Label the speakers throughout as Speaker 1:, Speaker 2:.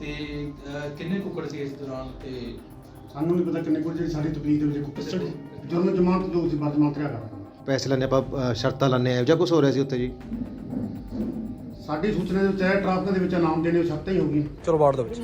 Speaker 1: ਤੇ ਕਿੰਨੇ ਕੁੱਕੜ ਸੀ ਇਸ ਦੌਰਾਨ ਤੇ
Speaker 2: ਸਾਨੂੰ ਨਹੀਂ ਪਤਾ ਕਿੰਨੇ ਕੁ ਜਿਹੜੀ ਸਾਡੀ ਤਕਲੀਫ ਦੇ ਵਿੱਚ ਕੁੱਕੜ ਜੁਰਮ ਜਮਾਨਤ ਜੋ ਸੀ ਬਾਅਦ ਜਮਾਨਤ ਰਿਆ ਕਰਦਾ।
Speaker 3: ਪੈਸੇ ਲੈਣੇ ਆਪਾਂ ਸ਼ਰਤਾਂ ਲਾਣੇ ਇਹੋ ਜਿਹਾ ਕੁਝ ਹੋ ਰਿਹਾ ਸੀ ਉੱਥੇ ਜੀ।
Speaker 2: ਸਾਡੀ ਸੂਚਨਾ ਦੇ ਵਿੱਚ ਹੈ ਟ੍ਰਾਫਿਕ ਦੇ ਵਿੱਚ ਨਾਮ ਦੇਣੇ ਸ਼ਰਤਾਂ ਹੀ ਹੋ ਗਈਆਂ।
Speaker 4: ਚਲੋ ਵਾਰਡ ਦੇ ਵਿੱਚ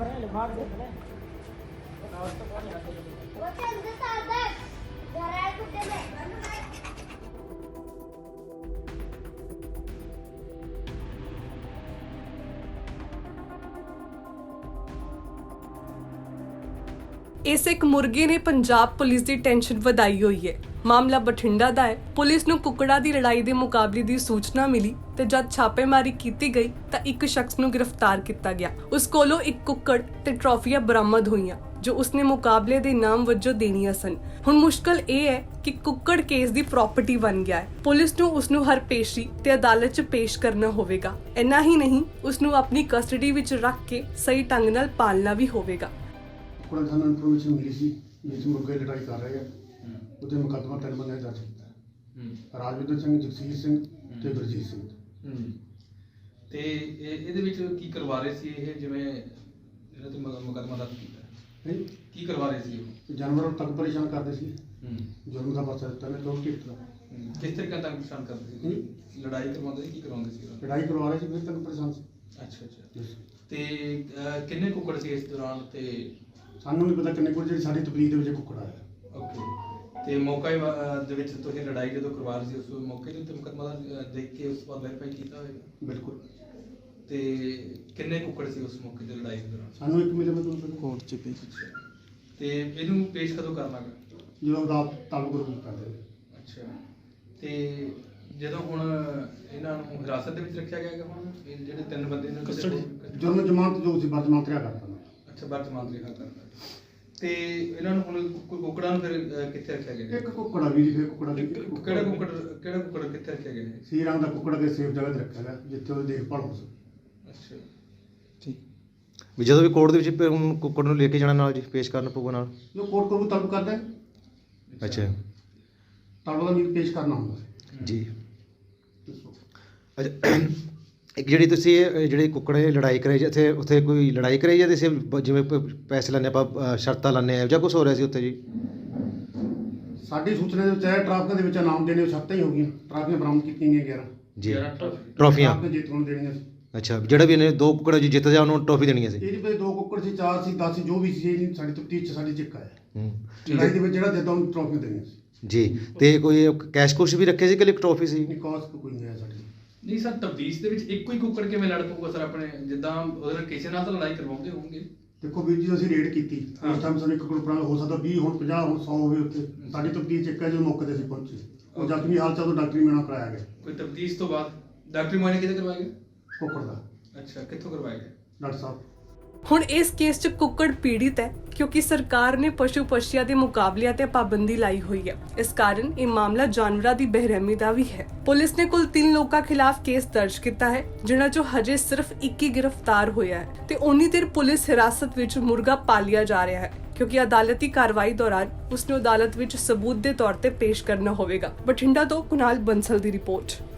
Speaker 5: ਇਸ ਇੱਕ ਮੁਰਗੇ ਨੇ ਪੰਜਾਬ ਪੁਲਿਸ ਦੀ ਟੈਨਸ਼ਨ ਵਧਾਈ ਹੋਈ ਹੈ। ਮਾਮਲਾ ਬਠਿੰਡਾ ਦਾ ਹੈ। ਪੁਲਿਸ ਨੂੰ ਕੁੱਕੜਾਂ ਦੀ ਲੜਾਈ ਦੇ ਮੁਕਾਬਲੇ ਦੀ ਸੂਚਨਾ ਮਿਲੀ ਤੇ ਜਦ ਛਾਪੇਮਾਰੀ ਕੀਤੀ ਗਈ ਤਾਂ ਇੱਕ ਸ਼ਖਸ ਨੂੰ ਗ੍ਰਿਫਤਾਰ ਕੀਤਾ ਗਿਆ। ਉਸ ਕੋਲੋਂ ਇੱਕ ਕੁੱਕੜ ਤੇ ਟਰਾਫੀਆਂ ਬਰਾਮਦ ਹੋਈਆਂ ਜੋ ਉਸਨੇ ਮੁਕਾਬਲੇ ਦੇ ਇਨਾਮ ਵਜੋਂ ਦੇਣੀਆਂ ਸਨ। ਹੁਣ ਮੁਸ਼ਕਲ ਇਹ ਹੈ ਕਿ ਕੁੱਕੜ ਕੇਸ ਦੀ ਪ੍ਰਾਪਰਟੀ ਬਣ ਗਿਆ ਹੈ। ਪੁਲਿਸ ਨੂੰ ਉਸ ਨੂੰ ਹਰ ਪੇਸ਼ੀ ਤੇ ਅਦਾਲਤ 'ਚ ਪੇਸ਼ ਕਰਨਾ ਹੋਵੇਗਾ। ਇੰਨਾ ਹੀ ਨਹੀਂ, ਉਸ ਨੂੰ ਆਪਣੀ ਕਸਟਡੀ ਵਿੱਚ ਰੱਖ ਕੇ ਸਹੀ ਢੰਗ ਨਾਲ ਪਾਲਣਾ ਵੀ ਹੋਵੇਗਾ।
Speaker 2: ਕੁੱਕੜਾਂ ਸਾਨੂੰ ਇਨਫੋਰਮੇਸ਼ਨ ਮਿਲੀ ਸੀ ਜਿਸ ਮੁਰਗੇ ਲੜਾਈ ਕਰ ਰਹੇ ਆ ਉਹਦੇ ਮੁਕੱਦਮਾ 3 ਬੰਦੇ ਦਰਜ ਕੀਤਾ। ਰਾਜਵਿੰਦਰ ਸਿੰਘ, ਜਗਸੀਰ ਸਿੰਘ ਤੇ ਗੁਰਜੀਤ ਸਿੰਘ।
Speaker 1: ਤੇ ਇਹਦੇ ਵਿੱਚ ਕੀ ਕਰਵਾ ਰਹੇ ਸੀ ਇਹ, ਜਿਵੇਂ ਜਿਹੜਾ ਤੇ ਮੁਕੱਦਮਾ ਦਰਜ ਕੀਤਾ ਕੀ ਕਰਵਾ ਰਹੇ ਸੀ ਉਹ?
Speaker 2: ਜਾਨਵਰਾਂ ਨੂੰ ਤੱਕ ਪਰੇਸ਼ਾਨ ਕਰਦੇ ਸੀ। ਜੁਰਮ ਦਾ ਪਰਚਾ ਦਿੱਤਾ ਨੇ ਲੋਕ ਕਿਸ ਤਰ੍ਹਾਂ
Speaker 1: ਕਿਸ ਤਰੀਕੇ ਤੱਕ ਪਰੇਸ਼ਾਨ ਕਰਦੇ ਸੀ? ਲੜਾਈ ਕਰਵਾਉਂਦੇ ਸੀ, ਕੀ ਕਰਵਾਉਂਦੇ ਸੀ?
Speaker 2: ਲੜਾਈ ਕਰਵਾ ਰਹੇ ਸੀ ਫਿਰ ਤੱਕ ਪਰੇਸ਼ਾਨ ਸੀ।
Speaker 1: ਅੱਛਾ। ਤੇ ਕਿੰਨੇ ਕੁੱਕੜ ਸੀ ਇਸ ਦੌਰਾਨ ਤੇ
Speaker 2: ਸਾਨੂੰ ਨਹੀਂ ਪਤਾ ਕਿੰਨੇ ਕੁ ਜਿਹੜੀ ਸਾਡੀ ਤਕਲੀਫ ਦੇ ਵਿੱਚ ਕੁੱਕੜ ਆਇਆ।
Speaker 1: ਓਕੇ। ਤੇ ਮੌਕੇ ਦੇ ਵਿੱਚ ਤੁਸੀਂ ਲੜਾਈ ਜਦੋਂ ਕਰਵਾ ਰਹੇ ਸੀ ਉਸ ਮੌਕੇ ਦੇ ਉੱਤੇ ਮੁਕੱਦਮਾ ਦੇਖ ਕੇ ਉਸ ਤੋਂ ਬਾਅਦ ਵੈਰੀਫਾਈ ਕੀਤਾ ਹੋਵੇਗਾ?
Speaker 2: ਬਿਲਕੁਲ।
Speaker 1: ਤੇ ਕਿੰਨੇ ਕੁੱਕੜ ਸੀ ਉਸ ਮੌਕੇ ਤੇ ਲੜਾਈ ਦੇ ਦੌਰਾਨ?
Speaker 2: ਸਾਨੂੰ ਇੱਕ ਮਿਲੇ ਮਤਲਬ
Speaker 4: ਕੋਰਟ 'ਚ ਪੇਸ਼।
Speaker 1: ਤੇ ਇਹਨੂੰ ਪੇਸ਼ ਕਦੋਂ ਕਰਨਾ ਗਾ?
Speaker 2: ਜਦੋਂ ਰਾਤ ਤਾਲੁਕ ਰੂਪ ਕਰਦੇ ਨੇ।
Speaker 1: ਅੱਛਾ। ਤੇ ਜਦੋਂ ਹੁਣ ਇਹਨਾਂ ਨੂੰ ਹਿਰਾਸਤ ਦੇ ਵਿੱਚ ਰੱਖਿਆ ਗਿਆ ਹੈਗਾ, ਹੁਣ ਇਹ ਜਿਹੜੇ 3 ਬੰਦੇ ਨੇ
Speaker 2: ਜੁਰਮ ਜਮਾਨਤ ਜੋ ਸੀ ਬਾਅਦ ਜਮਾਨਤ ਰਿਆ ਕਰਦਾ।
Speaker 1: ਅੱਛਾ, ਵਰਤਮਾਨ ਰਿਹਾ ਕਰਦਾ। ਤੇ ਇਹਨਾਂ ਨੂੰ ਹੁਣ ਕੁੱਕੜਾਂ ਨੂੰ ਫਿਰ ਕਿੱਥੇ ਰੱਖਿਆ ਗਿਆ?
Speaker 2: ਇੱਕ ਕੁੱਕੜਾ ਵੀ ਫਿਰ ਕੁੱਕੜਾ ਵੀ
Speaker 1: ਕਿਹੜਾ ਕੁੱਕੜ ਕਿੱਥੇ ਰੱਖਿਆ ਗਿਆ ਹੈ?
Speaker 2: ਸੀ ਰੰਗ ਦਾ ਕੁੱਕੜ ਕੇ ਸੇਫ ਜਗ੍ਹਾ ਤੇ ਰੱਖਿਆ ਗਿਆ ਜਿੱਥੇ ਉਹਦੀ ਦੇਖਭਾਲ ਹੋ ਸਕੇ।
Speaker 1: ਅੱਛਾ।
Speaker 4: ਠੀਕ।
Speaker 3: ਵੀ ਜਦੋਂ ਵੀ ਕੋਰਟ ਦੇ ਵਿੱਚ ਹੁਣ ਕੁੱਕੜ ਨੂੰ ਲੈ ਕੇ ਜਾਣਾ ਨਾਲ ਜੀ ਪੇਸ਼ ਕਰਨਾ ਪਊਗਾ ਨਾਲ।
Speaker 2: ਜੋ ਕੋਰਟ ਕੋਲ ਤਲਬ ਕਰਦਾ ਹੈ
Speaker 3: ਅੱਛਾ
Speaker 2: ਤਲਬ ਦਾ ਵੀ ਪੇਸ਼ ਕਰਨਾ ਹੁੰਦਾ
Speaker 3: ਜੀ। ਅੱਛਾ, ਇੱਕ ਜਿਹੜੀ ਤੁਸੀਂ ਇਹ ਜਿਹੜੇ ਕੁੱਕੜੇ ਲੜਾਈ ਕਰਾਈ ਜਿੱਥੇ ਉੱਥੇ ਕੋਈ ਲੜਾਈ ਕਰਾਈ ਜਾਂ ਤੁਸੀਂ ਜਿਵੇਂ ਪੈਸੇ ਲੈਣੇ ਆਪਾਂ ਸ਼ਰਤਾਂ ਲਾਣੇ ਇਹੋ ਜਿਹਾ ਕੁਝ ਹੋ ਰਿਹਾ ਸੀ ਉੱਥੇ ਜੀ?
Speaker 2: ਸਾਡੀ ਸੂਚਨਾ ਦੇ ਵਿੱਚ ਹੈ ਟ੍ਰਾਫਿਕ ਦੇ ਵਿੱਚ ਨਾਮ ਦੇਣੇ ਸ਼ਰਤਾਂ ਹੀ ਹੋ ਗਈਆਂ। ਟ੍ਰਾਫੀਆਂ ਬਰਾਮਦ ਕੀਤੀਆਂ ਗਈਆਂ 11
Speaker 3: ਜੀ।
Speaker 1: 11
Speaker 3: ਟਰੋਫੀਆਂ
Speaker 2: ਟ੍ਰਾਫਿਕ ਜੇਤੂ ਨੂੰ ਦੇਣੀਆਂ ਸੀ।
Speaker 3: ਅੱਛਾ, ਜਿਹੜਾ ਵੀ ਇਹਨੇ 2 ਕੁੱਕੜ ਜੀ ਜਿੱਤ ਜਾ ਉਹਨੂੰ ਟਰੋਫੀ ਦੇਣੀ ਸੀ।
Speaker 2: ਇਹਦੇ ਵਿੱਚ 2 ਕੁੱਕੜ ਸੀ, 4 ਸੀ, 10 ਸੀ, ਜੋ ਵੀ ਸੀ। ਇਹ ਸਾਡੀ ਤਫਤੀਸ਼ 'ਚ ਸਾਡੀ ਚਿੱਕ ਆਇਆ ਲੜਾਈ ਦੇ ਵਿੱਚ ਜਿਹੜਾ ਜਿੱਦਾਂ ਉਹਨੂੰ ਟ੍ਰਾਫੀਆਂ ਦੇਣੀਆਂ ਸੀ
Speaker 3: ਜੀ। ਤੇ ਕੋਈ ਕੈਸ਼ ਕੁਸ਼ ਵੀ ਰੱਖੇ ਸੀ ਕਿ ਟਰੋਫੀ ਸੀ?
Speaker 2: ਨਹੀਂ ਕਾਸਟ ਕੋਈ ਨਹੀਂ ਹੈ ਸਾਡੀ।
Speaker 1: ਨਹੀਂ ਸਰ, ਤਬਦੀਸ਼ ਦੇ ਵਿੱਚ ਇੱਕੋ ਹੀ ਕੁੱਕੜ ਕਿਵੇਂ ਲੜ ਪਊਗਾ ਸਰ? ਆਪਣੇ ਜਿੱਦਾਂ ਉਹਦੇ ਨਾਲ ਕਿਸੇ ਨਾਲ ਤਾਂ ਲੜਾਈ ਕਰਵਾਉਂਦੇ ਹੋਣਗੇ।
Speaker 2: ਦੇਖੋ ਵੀਰ ਜੀ, ਅਸੀਂ ਰੇਡ ਕੀਤੀ ਉਸ ਟਾਈਮ ਸਾਨੂੰ 1 ਕੁੱਕੜ ਹੋ ਸਕਦਾ 20 ਹੁਣ 50 ਹੁਣ 100 ਹੋਵੇ। ਉੱਥੇ ਸਾਡੀ ਤਫਤੀਸ਼ ਚਿੱਕ ਹੈ ਜਦੋਂ ਮੌਕੇ ਤੇ ਅਸੀਂ ਪਹੁੰਚੇ। ਉਹ ਜ਼ਖਮੀ ਹਾਲਤ 'ਚ ਉਹ ਡਾਕਟਰੀ ਮੁਆਇਨਾ ਕਰਾਇਆ ਗਿਆ।
Speaker 1: ਕੋਈ ਤਬਦੀਸ਼ ਤੋਂ ਬਾਅਦ ਡਾਕਟਰੀ ਮੁਆਇਨਾ ਕਿਤੇ ਕਰਵਾਇਆ ਗਿਆ?
Speaker 2: ਕੁੱਕੜ ਦਾ
Speaker 1: ਅੱਛਾ, ਕਿੱਥੋਂ ਕਰਵਾਇਆ ਗਿਆ?
Speaker 2: ਡਾਕਟਰ ਸਾਹਿਬ।
Speaker 5: ਹੁਣ ਇਸ ਕੇਸ 'ਚ ਕੁੱਕੜ ਪੀੜਿਤ ਹੈ ਕਿਉਂਕਿ ਸਰਕਾਰ ਨੇ ਪਸ਼ੂ ਪਸ਼ੀਆਂ ਦੇ ਮੁਕਾਬਲਿਆਂ ਤੇ ਪਾਬੰਦੀ ਲਾਈ ਹੋਈ ਹੈ। ਇਸ ਕਾਰਨ ਇਹ ਮਾਮਲਾ ਜਾਨਵਰਾਂ ਦੀ ਬੇਰਹਿਮੀ ਦਾ ਵੀ ਹੈ। ਪੁਲਿਸ ਨੇ ਕੁੱਲ 3 ਲੋਕਾਂ ਖਿਲਾਫ ਕੇਸ ਦਰਜ ਕੀਤਾ ਹੈ ਜਿਨ੍ਹਾਂ 'ਚੋਂ ਹਜੇ ਸਿਰਫ 1 ਹੀ ਗ੍ਰਿਫਤਾਰ ਹੋਇਆ ਹੈ ਤੇ ਉਨੀ ਦੇਰ ਪੁਲਿਸ ਹਿਰਾਸਤ ਵਿੱਚ ਮੁਰਗਾ ਪਾਲਿਆ ਜਾ ਰਿਹਾ ਹੈ ਕਿਉਂਕਿ ਅਦਾਲਤੀ ਕਾਰਵਾਈ ਦੌਰਾਨ ਉਸ ਨੂੰ ਅਦਾਲਤ ਵਿੱਚ ਸਬੂਤ ਦੇ ਤੌਰ ਤੇ ਪੇਸ਼ ਕਰਨਾ ਹੋਵੇਗਾ। ਬਠਿੰਡਾ ਤੋਂ ਕੁਨਾਲ ਬੰਸਲ ਦੀ ਰਿਪੋਰਟ।